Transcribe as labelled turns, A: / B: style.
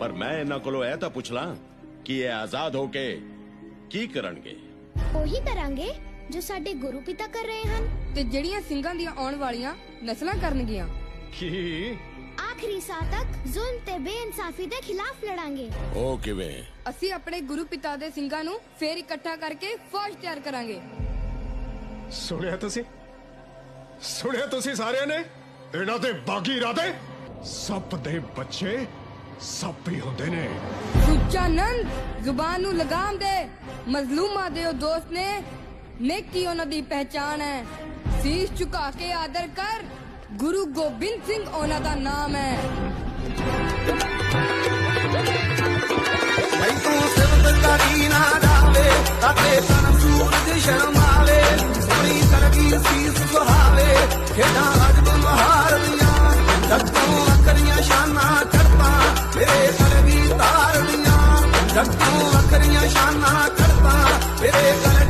A: पर मैं इन्हां कोलों ਇਹ ਤਾਂ ਪੁੱਛ ਲਾਂ ਕਿ ਇਹ ਆਜ਼ਾਦ ਹੋ ਕੇ ਕੀ ਕਰਨਗੇ।
B: ਉਹੀ ਕਰਾਂਗੇ ਜੋ ਸਾਡੇ ਗੁਰੂ ਪਿਤਾ ਕਰ ਰਹੇ ਹਨ
C: ਤੇ ਜਿਹੜੀਆਂ ਸਿੰਘਾਂ ਦੀਆਂ ਆਉਣ ਵਾਲੀਆਂ ਨਸਲਾਂ ਕਰਨਗੀਆਂ।
D: ਕੀ
B: ਆਖਰੀ ਸਾਹ ਤੱਕ ਜ਼ੁਲਮ ਤੇ ਬੇਇਨਸਾਫੀ ਦੇ ਖਿਲਾਫ ਲੜਾਂਗੇ।
A: ਉਹ ਕਿਵੇਂ?
C: ਅਸੀਂ ਆਪਣੇ ਗੁਰੂ ਪਿਤਾ ਦੇ ਸਿੰਘਾਂ ਨੂੰ ਫੇਰ ਇਕੱਠਾ ਕਰਕੇ ਫੌਜ ਤਿਆਰ ਕਰਾਂਗੇ।
D: ਸੁਣਿਆ ਤੁਸੀਂ ਸਾਰਿਆਂ ਨੇ? ਇਹਨਾਂ ਦੇ ਬਾਗੀ ਇਰਾਦੇ ਸੱਪ ਦੇ ਬੱਚੇ ਸੱਪ ਹੀ ਹੁੰਦੇ ਨੇ।
C: ਸੁੱਚਾ ਨੰਦ ਜ਼ੁਬਾਨ ਨੂੰ ਲਗਾਮ ਦੇ। ਮਜ਼ਲੂਮਾਂ ਦੇ ਉਹ ਦੋਸਤ ਨੇ, ਨੇਕੀ ਉਹਨਾਂ ਦੀ ਪਹਿਚਾਣ ਹੈ। ਸੀਸ ਝੁਕਾ ਕੇ ਆਦਰ ਕਰ, ਗੁਰੂ ਗੋਬਿੰਦ ਸਿੰਘ ਉਹਨਾਂ ਦਾ ਨਾਮ ਹੈ।
E: ਤੂੰ ਸਿਫਤ ਕਰੀ ਨਾ ਜਾਵੇ ਅਤੇ ਤਨ ਸੂਰਜ ਸ਼ਰਮਾਵੇ ਸੋਹਣੀ ਕਰਗੀ ਸੀਸ ਸੁਹਾਵੇ ਖੇਡਾਂ ਅਜਬ ਮਹਾਰ ਦੀਆਂ ਜੱਟੋਂ ਅੱਖਰੀਆਂ ਸ਼ਾਨਾਂ ਕਰਤਾ ਮੇਰੇ ਗਲ ਵੀ ਤਾਰ ਦੀਆਂ ਜੱਟੋਂ ਅੱਖਰੀਆਂ ਸ਼ਾਨਾਂ ਕਰਤਾ ਮੇਰੇ ਗਲ